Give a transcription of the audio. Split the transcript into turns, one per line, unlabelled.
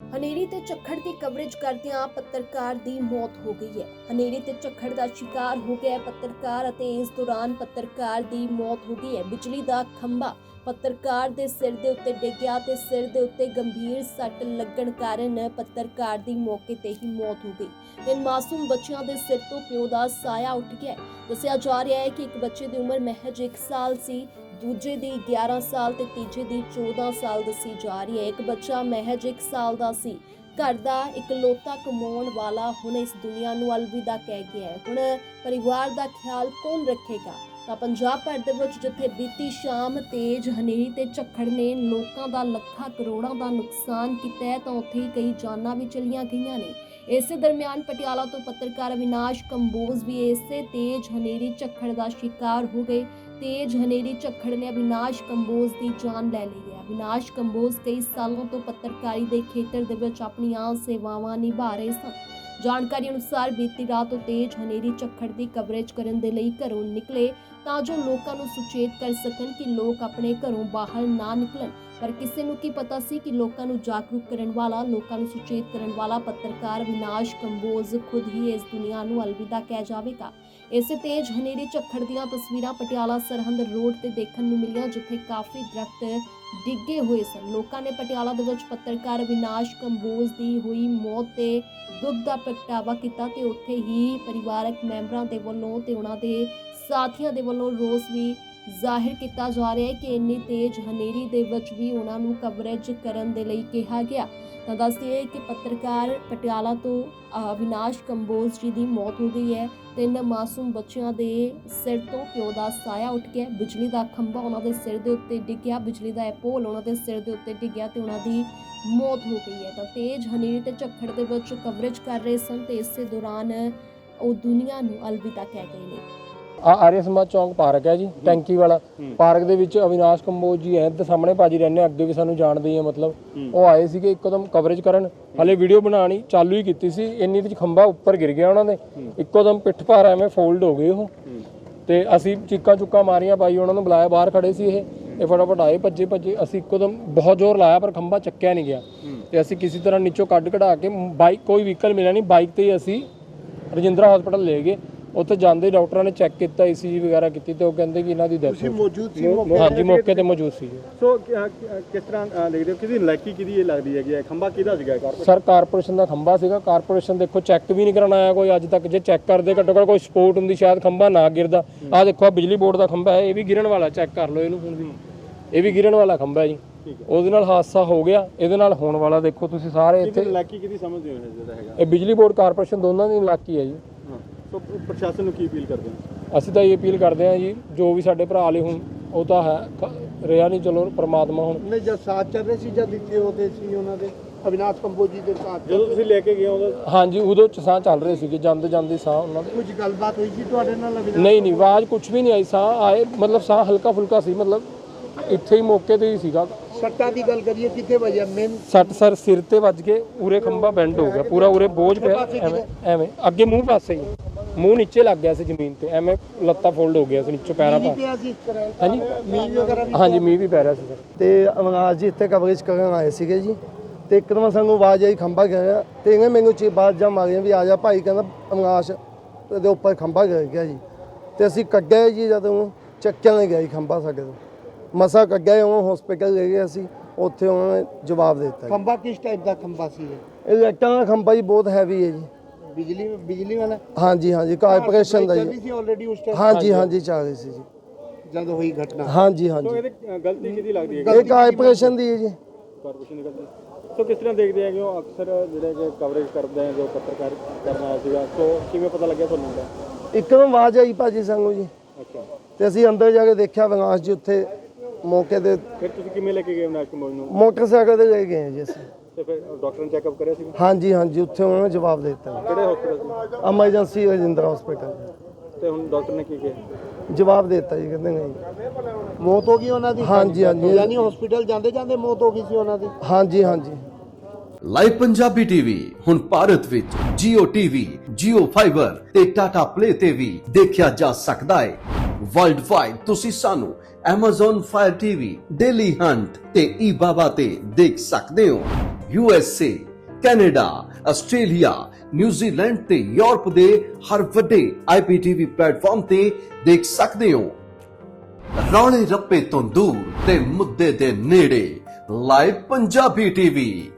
ਹਨੇਰੀ ਤੇ ਝੱਖੜ ਦੀ ਕਵਰੇਜ ਕਰਦਿਆਂ ਪੱਤਰਕਾਰ ਦੀ ਮੌਤ ਹੋ ਗਈ ਹੈ। ਹਨੇਰੀ ਤੇ ਝੱਖੜ ਦਾ ਸ਼ਿਕਾਰ ਹੋ ਗਿਆ ਪੱਤਰਕਾਰ ਅਤੇ ਇਸ ਦੌਰਾਨ ਪੱਤਰਕਾਰ ਦੀ ਮੌਤ ਹੋ ਗਈ ਹੈ। ਬਿਜਲੀ ਦਾ ਖੰਭਾ ਪੱਤਰਕਾਰ ਦੇ ਸਿਰ ਦੇ ਉੱਤੇ ਡਿੱਗਿਆ ਤੇ ਸਿਰ ਦੇ ਉੱਤੇ ਗੰਭੀਰ ਸੱਟ ਲੱਗਣ ਕਾਰਨ ਪੱਤਰਕਾਰ ਦੀ ਮੌਕੇ ਤੇ ਹੀ ਮੌਤ ਹੋ ਗਈ। ਤਿੰਨ ਮਾਸੂਮ ਬੱਚਿਆਂ ਦੇ ਸਿਰ ਤੋਂ ਪਿਓ ਦਾ ਸਾਇਆ ਉੱਠ ਗਿਆ। ਦੱਸਿਆ ਜਾ ਰਿਹਾ ਹੈ ਕਿ ਇੱਕ ਬੱਚੇ ਦੀ ਉਮਰ ਮਹਿਜ 1 ਸਾਲ ਸੀ, ਦੂਜੇ ਦੀ 11 ਸਾਲ ਤੇ ਤੀਜੇ ਦੀ 14 ਸਾਲ ਦੱਸੀ ਜਾ ਰਹੀ ਹੈ। ਇੱਕ ਬੱਚਾ ਮਹਿਜ 1 ਸਾਲ ਦਾ ਸੀ। ਘਰ ਦਾ ਇਕਲੌਤਾ ਕਮਾਉਣ ਵਾਲਾ ਹੁਣ ਇਸ ਦੁਨੀਆ ਨੂੰ ਅਲਵਿਦਾ ਕਹਿ ਗਿਆ ਹੈ। ਹੁਣ ਪਰਿਵਾਰ ਦਾ ਖਿਆਲ ਕੌਣ ਰੱਖੇਗਾ? ਤਾਂ ਪੰਜਾਬ ਭਰ ਦੇ ਵਿੱਚ ਜਿੱਥੇ ਬੀਤੀ ਸ਼ਾਮ ਤੇਜ਼ ਹਨੇਰੀ ਤੇ ਝੱਖੜ ਨੇ ਲੋਕਾਂ ਦਾ ਲੱਖਾਂ ਕਰੋੜਾਂ ਦਾ ਨੁਕਸਾਨ ਕੀਤਾ ਹੈ, ਤਾਂ ਉੱਥੇ ਹੀ ਕਈ ਜਾਨਾਂ ਵੀ ਚਲੀਆਂ ਗਈਆਂ ਨੇ। ਇਸੇ ਦਰਮਿਆਨ ਪਟਿਆਲਾ ਤੋਂ ਪੱਤਰਕਾਰ ਅਵਿਨਾਸ਼ ਕੰਬੋਜ ਵੀ ਇਸੇ ਤੇਜ਼ ਹਨੇਰੀ ਝੱਖੜ ਦਾ ਸ਼ਿਕਾਰ ਹੋ ਗਏ। ਤੇਜ਼ ਹਨੇਰੀ ਝੱਖੜ ਨੇ ਅਵਿਨਾਸ਼ ਕੰਬੋਜ ਦੀ ਜਾਨ ਲੈ ਲਈ ਹੈ। ਅਵਿਨਾਸ਼ ਕੰਬੋਜ ਕਈ ਸਾਲਾਂ ਤੋਂ ਪੱਤਰਕਾਰੀ ਦੇ ਖੇਤਰ ਦੇ ਵਿੱਚ ਆਪਣੀਆਂ ਸੇਵਾਵਾਂ ਨਿਭਾ ਰਹੇ ਸਨ। ਜਾਣਕਾਰੀ ਅਨੁਸਾਰ ਬੀਤੀ ਰਾਤ ਤੋਂ ਤੇਜ਼ ਹਨੇਰੀ ਝੱਖੜ ਦੀ ਕਵਰੇਜ ਕਰਨ ਦੇ ਲਈ ਘਰੋਂ ਨਿਕਲੇ ਤਾਂ ਜੋ ਲੋਕਾਂ ਨੂੰ ਸੁਚੇਤ ਕਰ ਸਕਣ ਕਿ ਲੋਕ ਆਪਣੇ ਘਰੋਂ ਬਾਹਰ ਨਾ ਨਿਕਲਣ। ਪਰ ਕਿਸੇ ਨੂੰ ਕੀ ਪਤਾ ਸੀ ਕਿ ਲੋਕਾਂ ਨੂੰ ਜਾਗਰੂਕ ਕਰਨ ਵਾਲਾ, ਲੋਕਾਂ ਨੂੰ ਸੁਚੇਤ ਕਰਨ ਵਾਲਾ ਪੱਤਰਕਾਰ ਅਵਿਨਾਸ਼ ਕੰਬੋਜ ਖੁਦ ਹੀ ਇਸ ਦੁਨੀਆ ਨੂੰ ਅਲਵਿਦਾ ਕਹਿ ਜਾਵੇਗਾ। ਇਸੇ ਤੇਜ਼ ਹਨੇਰੀ ਝੱਖੜ ਦੀਆਂ ਤਸਵੀਰਾਂ ਪਟਿਆਲਾ ਸਰਹੰਦ ਰੋਡ ਤੇ ਦੇਖਣ ਨੂੰ ਮਿਲੀਆਂ, ਜਿੱਥੇ ਕਾਫੀ ਦਰਖਤ ਡਿੱਗੇ ਹੋਏ ਸਨ। ਲੋਕਾਂ ਨੇ ਪਟਿਆਲਾ ਦੇ ਵਿੱਚ ਪੱਤਰਕਾਰ ਅਵਿਨਾਸ਼ ਕੰਬੋਜ ਦੀ ਹੋਈ ਮੌਤ ਤੇ ਦੁੱਖ ਦਾ ਪ੍ਰਗਟਾਵਾ ਕੀਤਾ ਤੇ ਉੱਥੇ ਹੀ ਪਰਿਵਾਰਕ ਮੈਂਬਰਾਂ ਦੇ ਵੱਲੋਂ ਤੇ ਉਹਨਾਂ ਦੇ ਸਾਥੀਆਂ ਦੇ ਵੱਲੋਂ ਰੋਸ ਵੀ ਜ਼ਾਹਿਰ ਕੀਤਾ ਜਾ ਰਿਹਾ ਹੈ ਕਿ ਇੰਨੀ ਤੇਜ਼ ਹਨੇਰੀ ਦੇ ਵਿੱਚ ਵੀ ਉਹਨਾਂ ਨੂੰ ਕਵਰੇਜ ਕਰਨ ਦੇ ਲਈ ਕਿਹਾ ਗਿਆ। ਤਾਂ ਦੱਸਦੇ ਕਿ ਪੱਤਰਕਾਰ ਪਟਿਆਲਾ ਤੋਂ ਅਵਿਨਾਸ਼ ਕੰਬੋਜ ਜੀ ਦੀ ਮੌਤ ਹੋ ਗਈ ਹੈ। 3 ਮਾਸੂਮ ਬੱਚਿਆਂ ਦੇ ਸਿਰ ਤੋਂ ਪਿਓ ਦਾ ਸਾਇਆ ਉੱਠ ਗਿਆ। ਬਿਜਲੀ ਦਾ ਖੰਭਾ ਉਹਨਾਂ ਦੇ ਸਿਰ ਦੇ ਉੱਤੇ ਡਿੱਗਿਆ, ਬਿਜਲੀ ਦਾ ਪੋਲ ਉਹਨਾਂ ਦੇ ਸਿਰ ਦੇ ਉੱਤੇ ਡਿੱਗਿਆ ਤੇ ਉਹਨਾਂ ਦੀ ਮੌਤ ਹੋ ਗਈ ਹੈ। ਤਾਂ ਤੇਜ਼ ਹਨੇਰੀ ਤੇ ਝੱਖੜ ਦੇ ਵਿੱਚ ਕਵਰੇਜ ਕਰ ਰਹੇ ਸਨ ਤੇ ਇਸੇ ਦੌਰਾਨ ਉਹ ਦੁਨੀਆ ਨੂੰ ਅਲਵਿਦਾ ਕਹਿ ਗਏ ਨੇ।
ਆਰੀਆ ਸਮਾਜ ਚੌਂਕ ਪਾਰਕ ਹੈ ਜੀ, ਟੈਂਕੀ ਵਾਲਾ ਪਾਰਕ ਦੇ ਵਿੱਚ ਅਵਿਨਾਸ਼ ਕੰਬੋਜ ਜੀ ਹੈ ਤੇ ਸਾਹਮਣੇ ਭਾਜੀ ਰਹਿੰਦੇ, ਅੱਗੇ ਵੀ ਸਾਨੂੰ ਜਾਣਦੇ ਹੀ ਆ। ਮਤਲਬ ਉਹ ਆਏ ਸੀਗੇ ਇੱਕਦਮ ਕਵਰੇਜ ਕਰਨ, ਹਲੇ ਵੀਡੀਓ ਬਣਾਉਣੀ ਚਾਲੂ ਹੀ ਕੀਤੀ ਸੀ, ਇੰਨੀ ਤੇ ਖੰਭਾ ਉੱਪਰ ਗਿਰ ਗਿਆ ਉਹਨਾਂ ਦੇ, ਇੱਕੋਦਮ ਪਿੱਠ ਭਾਰ ਐਵੇਂ ਫੋਲਡ ਹੋ ਗਏ ਉਹ। ਤੇ ਅਸੀਂ ਚੀਕਾਂ ਚੁੱਕਾਂ ਮਾਰੀਆਂ, ਬਾਈ ਉਹਨਾਂ ਨੂੰ ਬੁਲਾਇਆ, ਬਾਹਰ ਖੜੇ ਸੀ ਇਹ ਫਟਾਫਟ ਆਏ, ਭੱਜੇ ਅਸੀਂ ਇੱਕੋਦਮ ਬਹੁਤ ਜ਼ੋਰ ਲਾਇਆ ਪਰ ਖੰਭਾ ਚੱਕਿਆ ਨਹੀਂ ਗਿਆ। ਤੇ ਅਸੀਂ ਕਿਸੇ ਤਰ੍ਹਾਂ ਨੀਚੋਂ ਕੱਢ ਕਢਾ ਕੇ ਬਾਈਕ, ਕੋਈ ਵਹੀਕਲ ਮਿਲਿਆ ਨਹੀਂ, ਬਾਈਕ ਤੇ ਹੀ ਅਸੀਂ ਰਜਿੰਦਰਾ ਹਸਪਤਾਲ ਲੈ ਗਏ। ਉੱਥੇ ਜਾਂਦੇ ਡਾਕਟਰਾਂ ਨੇ ਚੈੱਕ ਕੀਤਾ, ECG ਵਗੈਰਾ ਕੀਤੀ ਤੇ ਉਹ ਕਹਿੰਦੇ ਕਿ ਇਹਨਾਂ ਦੀ ਡੈਥ
ਤੁਸੀਂ ਮੌਜੂਦ ਸੀ?
ਹਾਂਜੀ, ਮੌਕੇ ਤੇ ਮੌਜੂਦ ਸੀ।
ਸੋ ਕਿਸ ਤਰ੍ਹਾਂ ਦੇਖਦੇ ਹੋ, ਕਿਹਦੀ ਲਾਇਕੀ ਕਿਹਦੀ ਇਹ ਲੱਗਦੀ ਹੈਗੀ ਹੈ? ਖੰਭਾ ਕਿਹਦਾ ਸੀਗਾ?
ਸਰ ਕਾਰਪੋਰੇਸ਼ਨ ਦਾ ਖੰਭਾ ਸੀਗਾ। ਕਾਰਪੋਰੇਸ਼ਨ ਦੇਖੋ ਚੈੱਕ ਵੀ ਨਹੀਂ ਕਰਾਉਣ ਆਇਆ ਕੋਈ ਅੱਜ ਤੱਕ। ਜੇ ਚੈੱਕ ਕਰਦੇ ਘੱਟੋ ਘੱਟ ਕੋਈ ਸਪੋਰਟ ਹੁੰਦੀ ਸ਼ਾਇਦ ਖੰਭਾ ਨਾ ਗਿਰਦਾ। ਆਹ ਦੇਖੋ ਆ ਬਿਜਲੀ ਬੋਰਡ ਦਾ ਖੰਭਾ ਹੈ, ਇਹ ਵੀ ਗਿਰਨ ਵਾਲਾ, ਚੈੱਕ ਕਰ ਲਓ ਇਹਨੂੰ ਹੁਣ ਵੀ, ਇਹ ਵੀ ਗਿਰਨ ਵਾਲਾ ਖੰਭਾ ਹੈ ਜੀ। ਉਹਦੇ ਨਾਲ ਹਾਦਸਾ ਹੋ ਗਿਆ, ਇਹਦੇ ਨਾਲ ਹੋਣ ਵਾਲਾ ਦੇਖੋ ਤੁਸੀਂ ਸਾਰੇ ਇੱਥੇ।
ਲਾਇਕੀ ਕਿਹਦੀ ਸਮਝਦੇ ਹੋ ਜਿਹੜਾ ਹੈਗਾ?
ਇਹ ਬਿਜਲੀ ਬੋਰਡ ਕਾਰਪੋਰੇਸ਼ਨ ਦੋਨਾਂ ਦੀ ਲਾਇਕੀ ਹੈ ਜੀ।
ਸੋ ਪ੍ਰਸ਼ਾਸਨ ਨੂੰ ਕੀ ਅਪੀਲ ਕਰਦੇ ਹੋ?
ਅਸੀਂ ਤਾਂ ਇਹ ਅਪੀਲ ਕਰਦੇ ਹਾਂ ਜੀ, ਜੋ ਵੀ ਸਾਡੇ ਭਰਾ ਲਈ ਹੁਣ ਉਹ ਤਾਂ ਹੈ ਰਿਹਾ ਨਹੀਂ, ਚਲੋ ਪਰਮਾਤਮਾ ਹੁਣ।
ਨਹੀਂ ਜਦ ਸਾਥ ਚੱਲ ਰਹੇ ਸੀ, ਜਦ ਦਿੱਤੇ ਉਹਦੇ ਸੀ ਉਹਨਾਂ ਦੇ ਅਵਿਨਾਸ਼ ਕੰਬੋਜ ਜੀ ਦੇ ਸਾਥ, ਜਦੋਂ ਤੁਸੀਂ ਲੈ ਕੇ ਗਏ ਉਦੋਂ? ਹਾਂਜੀ, ਉਦੋਂ ਚ ਸਾਹ ਚੱਲ ਰਹੇ ਸੀਗੇ, ਜਾਂਦੇ ਸਾਹ ਉਹਨਾਂ ਦੇ। ਕੁਝ ਗੱਲਬਾਤ ਹੋਈ ਸੀ ਤੁਹਾਡੇ ਨਾਲ?
ਨਹੀਂ, ਆਵਾਜ਼ ਕੁਝ ਵੀ ਨਹੀਂ ਆਈ, ਸਾਹ ਆਏ, ਮਤਲਬ ਸਾਹ ਹਲਕਾ ਫੁਲਕਾ ਸੀ, ਮਤਲਬ ਇੱਥੇ ਹੀ ਮੌਕੇ ਤੇ ਹੀ ਸੀਗਾ।
ਸੱਟਾਂ ਦੀ ਗੱਲ ਕਰੀਏ, ਕਿੱਥੇ ਵੱਜਿਆ ਮੇਨ?
ਸੱਟ ਸਰ ਸਿਰ ਤੇ ਵੱਜ ਕੇ, ਉਰੇ ਖੰਭਾ ਬੈਂਡ ਹੋ ਗਿਆ ਪੂਰਾ, ਉਰੇ ਬੋਝ ਪਿਆ ਐਵੇਂ ਅੱਗੇ ਮੂੰਹ ਪਾਸੇ ਹੀ, ਮੂੰਹ ਨੀਚੇ ਲੱਗ ਗਿਆ ਸੀ ਜ਼ਮੀਨ ਤੇ, ਐਵੇਂ ਲੱਤਾਂ ਫੋਲਡ ਹੋ ਗਿਆ ਸੀ ਨੀਚੇ ਪੈਰਾਂ ਪਾ। ਹਾਂਜੀ, ਹਾਂਜੀ ਮੀਂਹ ਵੀ ਪੈ ਰਿਹਾ ਸੀ ਸਰ।
ਤੇ ਅਵਿਨਾਸ਼ ਜੀ ਇੱਥੇ ਕਵਰੇਜ ਕਰਨ ਆਏ ਸੀਗੇ ਜੀ, ਤੇ ਇੱਕਦਮ ਸਾਨੂੰ ਆਵਾਜ਼ ਆਈ ਖੰਭਾ ਗਿਰਿਆ, ਤੇ ਇਹਨੇ ਮੈਨੂੰ ਬਾਅਦ ਜਾਂ ਮਾਰੀਆਂ ਵੀ ਆ ਜਾ ਭਾਈ, ਕਹਿੰਦਾ ਅਵਿਨਾਸ਼ ਦੇ ਉੱਪਰ ਖੰਭਾ ਗਿਰ ਗਿਆ ਜੀ। ਤੇ ਅਸੀਂ ਕੱਢਿਆ ਜੀ, ਜਦੋਂ ਚੱਕਿਆ ਨਹੀਂ ਗਿਆ ਜੀ ਖੰਭਾ ਸਾਡੇ ਤੋਂ, ਮਸਾ ਕੱਢਿਆ, ਉਹ ਹਸਪੀਟਲ ਲੈ ਗਏ ਅਸੀਂ, ਉੱਥੇ ਉਹਨਾਂ ਨੇ ਜਵਾਬ ਦੇ ਦਿੱਤਾ।
ਖੰਭਾ ਕਿਸ ਟਾਈਪ ਦਾ ਖੰਭਾ ਸੀ
ਇਹ ਲਾਈਟਾਂ ਦਾ ਖੰਭਾ ਜੀ, ਬਹੁਤ ਹੈਵੀ ਹੈ ਜੀ।
ਬਿਜਲੀ ਵਾਲਾ?
ਹਾਂਜੀ ਕਾਰਪੋਰੇਸ਼ਨ ਦਾ ਜੀ।
ਸੀ ਆਲਰੇਡੀ ਉਸ ਟਾਈਮ?
ਹਾਂਜੀ ਚੱਲ ਰਹੀ ਸੀ ਜੀ
ਜਦ ਹੋਈ ਘਟਨਾ।
ਹਾਂਜੀ
ਸੋ ਇਹਦੀ ਗਲਤੀ ਕਿਹਦੀ ਲੱਗਦੀ ਹੈ?
ਇਹ ਕਾਰਪੋਰੇਸ਼ਨ ਦੀ ਹੈ ਜੀ।
ਕਾਰਪੋਰੇਸ਼ਨ ਦੀ ਗਲਤੀ। ਸੋ ਕਿਸ ਤਰ੍ਹਾਂ ਦੇਖਦੇ ਆ ਕਿ ਉਹ ਅਕਸਰ ਜਿਹੜੇ ਕਿ ਕਵਰੇਜ ਕਰਦੇ ਆ, ਜੋ ਪੱਤਰਕਾਰ ਕਰਨ ਆਇਆ ਸੀਗਾ, ਸੋ ਕਿਵੇਂ ਪਤਾ ਲੱਗਿਆ ਤੁਹਾਨੂੰ ਦਾ?
ਇੱਕਦਮ ਆਵਾਜ਼ ਆਈ ਭਾਜੀ ਸਾਨੂੰ ਜੀ।
ਅੱਛਾ, ਤੇ
ਅਸੀਂ ਅੰਦਰ ਜਾ ਕੇ ਦੇਖਿਆ ਅਵਿਨਾਸ਼ ਜੀ ਉੱਥੇ ਮੌਕੇ ਤੇ।
ਫਿਰ ਤੁਸੀਂ ਕਿਵੇਂ ਲੈ ਕੇ ਗਏ ਅਵਿਨਾਸ਼ ਕੰਬੋਜ ਨੂੰ?
ਮੋਟਰਸਾਈਕਲ ਤੇ ਲੈ ਗਏ ਜੀ ਅਸੀਂ।
ਤੇ ਫਿਰ ਡਾਕਟਰ ਨੇ ਚੈੱਕਅਪ ਕਰਿਆ ਸੀ?
ਹਾਂਜੀ ਉੱਥੇ ਉਹਨਾਂ ਨੇ ਜਵਾਬ ਦੇ ਦਿੱਤਾ।
ਕਿਹੜੇ ਹਸਪੀਟਲ ਸੀ?
Emergency Rajindra hospital.
ਤੇ ਹੁਣ ਡਾਕਟਰ ਨੇ ਕੀ ਕਿਹਾ?
ਜਵਾਬ ਦੇ ਦਿੱਤਾ ਜੀ, ਕਹਿੰਦੇ ਨਹੀਂ
ਮੌਤ ਹੋ ਗਈ ਉਹਨਾਂ ਦੀ?
ਹਾਂਜੀ
ਯਾਨੀ ਹਸਪੀਟਲ ਜਾਂਦੇ ਮੌਤ ਹੋ ਗਈ ਸੀ ਉਹਨਾਂ ਦੀ?
ਹਾਂਜੀ।
ਲਾਈਵ ਪੰਜਾਬੀ ਟੀਵੀ ਹੁਣ ਭਾਰਤ ਵਿੱਚ Jio TV, Jio Fiber ਤੇ Tata Play ਤੇ ਵੀ ਦੇਖਿਆ ਜਾ ਸਕਦਾ ਹੈ। ਵਰਲਡ ਵਾਈਡ ਤੁਸੀਂ ਸਾਨੂੰ Amazon Fire TV, Daily Hunt ਤੇ eBaba ਤੇ ਦੇਖ ਸਕਦੇ ਹੋ। USA, ਕੈਨੇਡਾ, ਆਸਟ੍ਰੇਲੀਆ, ਨਿਊਜ਼ੀਲੈਂਡ ਤੇ ਯੂਰਪ ਦੇ ਹਰ ਵੱਡੇ IPTV ਪਲੇਟਫਾਰਮ ਤੇ ਦੇਖ ਸਕਦੇ ਹੋ। ਰੌਲੇ ਰੱਪੇ ਤੋਂ ਦੂਰ ਤੇ ਮੁੱਦੇ ਦੇ ਨੇੜੇ, ਲਾਈਵ ਪੰਜਾਬੀ ਟੀਵੀ।